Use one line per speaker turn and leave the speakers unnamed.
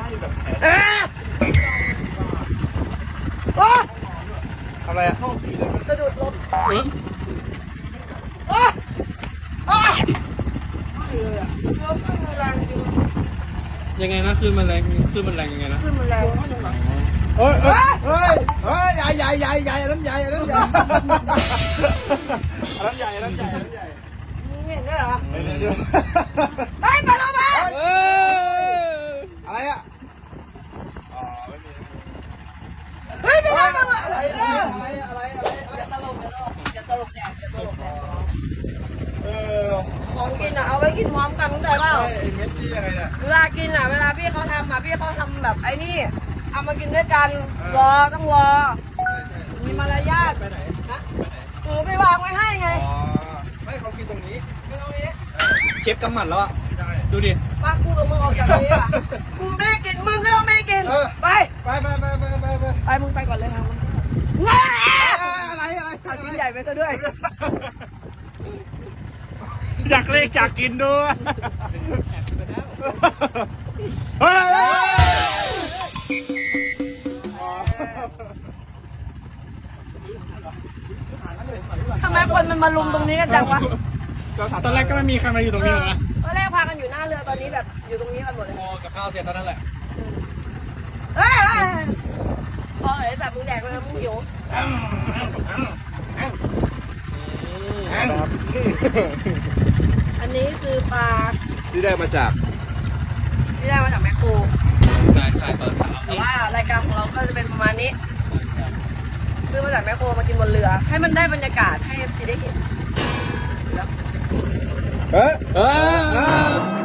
เอ๊ะโอ้
ทำอะไรอ่ะ
สะดุดล้มโอ้โอ้เรือขึ้นแรงจริง
ยังไงนะขึ้นมันแรงยังไงนะ
ขึ้นมันแรง
เฮ้ย
เฮ้ยใหญ่อันนั้นใหญ่อันนั้นใหญ่
มึงเห็นด้วยเหรอ
ไปเลยด้วย
ไปไปแล้วมา
อะไรอ่ะอ๋อไม่มี
เฮ้ยไม่ได้มา
อะไร
อย่าตลกอย่าตลกแดกอย่าตลกแดก
เออ
ของกินอ่ะเอาไว้กินพร้อมกันเข้าใจเปล่า
ไอ้เม็ดนี่ยังไงเนี่ย
เวลากินอ่ะเวลาพี่เขาทำอ่ะพี่เขาทำแบบไอ้นี่เอามากินด้วยกันรอต้องรอมีมารยาท
ไปไหน
นะถือไปวางไว้ให้ไง
อ๋อไม่เขากินตรงนี้
อยู่ตรงนี้
เชฟกำหมัดแล้วอ่ะ
ใช่
ดูดิ
ป้ากูกับมึงออกจากตรงนี้อ่ะกูไม่ให้กินมึงก็ต้องไม่ให้กินไป
ไป
ไปมึงไปก่อนเลยครับงา
อะไร
เอาชิ้นใหญ่ไปซะด้วย
อยากเล่อยากกินด้วยเฮ้ย
ทำไมคนมันมาลุมตรงนี้กันจังวะ
ตอนแรกก็ไม่มีใครมาอยู่ตรงนี้หรอกนะ
ตอนแรกพากันอยู่หน้าเรือตอนนี้แบบอยู่ตรงนี้กันหมดเลย
พอกับข้าวเสร็จเท่านั้นแหละ
เฮ้ยพอเลยแต่มึงแดกไปแล้วมึงหิวอันนี้คือปลา
ที่ได้มาจาก
ที่ได้มาจากแมคโคร
ใช่ตอนเช้า
แต่ว่ารายการของเราก็จะเป็นประมาณนี้ ซื้อมาจากแมคโครมากินบนเรือ ให้มันได้บรรยากาศให้ FC ได้เห็น
เฮ้ย
เออ